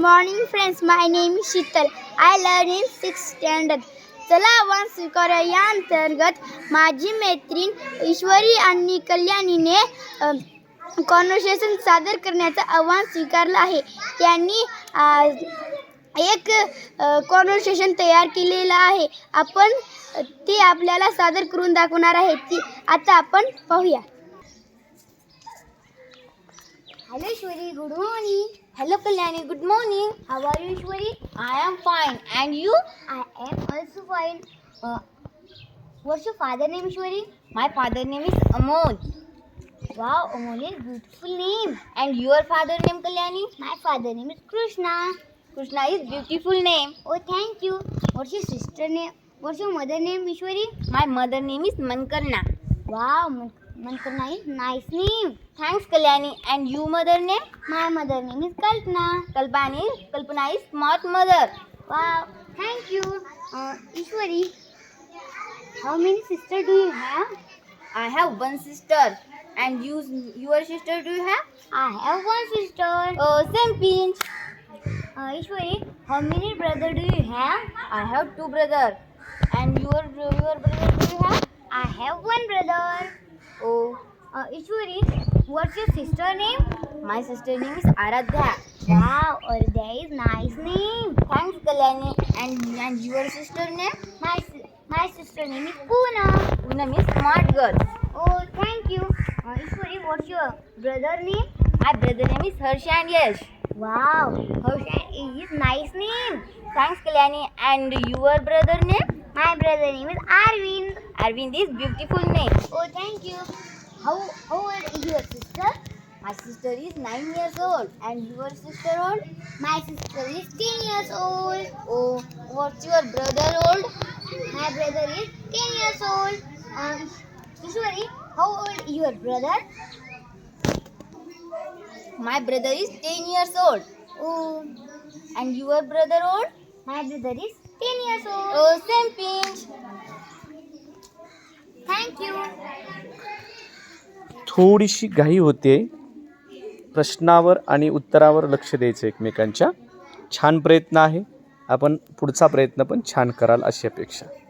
morning friends, my name is Sheetal. I learn in 6th standard. चला आव्हान स्वीकारा या अंतर्गत माझी मैत्रीण ईश्वरी आणि कल्याणीने कॉन्व्हर्सेशन सादर करण्याचं आव्हान स्वीकारलं आहे. त्यांनी एक कॉन्व्हर्सेशन तयार केलेलं आहे. आपण ते आपल्याला सादर करून दाखवणार आहे. ती आता आपण पाहूया. Hello Ishwari, good morning. Hello Kalyani, good morning. How are you Ishwari? I am fine. And you? I am also fine. What's your father name Ishwari? My father name is Amol. Wow, Amol is beautiful name. And your father name Kalyani? My father name is Krishna. Krishna is beautiful name. Oh, thank you. What's your sister name? What's your mother name Ishwari? My mother name is Mankarna. Wow, Mankarna is nice name. Thanks Kalyani. And you mother name? My mother name is Kalpana. Kalpana is smart mother. Wow, thank you. Ishwari, how many sisters do you have? I have one sister. And your sister do you have? I have one sister. Oh, same pinch. Ishwari, how many brothers do you have? I have two brothers. And your brother do you have? I have one brother. Oh, Ishwari, what's your sister name? my sister name is Aradhya. Wow, Aradhya is nice name. Thanks Kalyani. And your sister name? My sister name is Poonam. Poonam is smart girl. Oh, thank you. Ishwari, what's your brother name? My brother name is Harsha and Yash. Wow, Harsha is nice name. Thanks Kalyani. And your brother name? My brother name is Arvind. Arvind is beautiful name. Oh, thank you. How old is your sister? My sister is 9 years old. And your sister old? My sister is 10 years old. Oh, what's your brother old? My brother is 10 years old. Ishwari, how old is your brother? My brother is 10 years old. Oh, And your brother old? my brother is 10 years old. Oh, same pinch. Thank you. थोडीशी घाई होते. प्रश्नावर आणि उत्तरावर लक्ष द्यायचं एकमेकांच्या. छान प्रयत्न आहे. आपण पुढचा प्रयत्न पण छान कराल अशी अपेक्षा.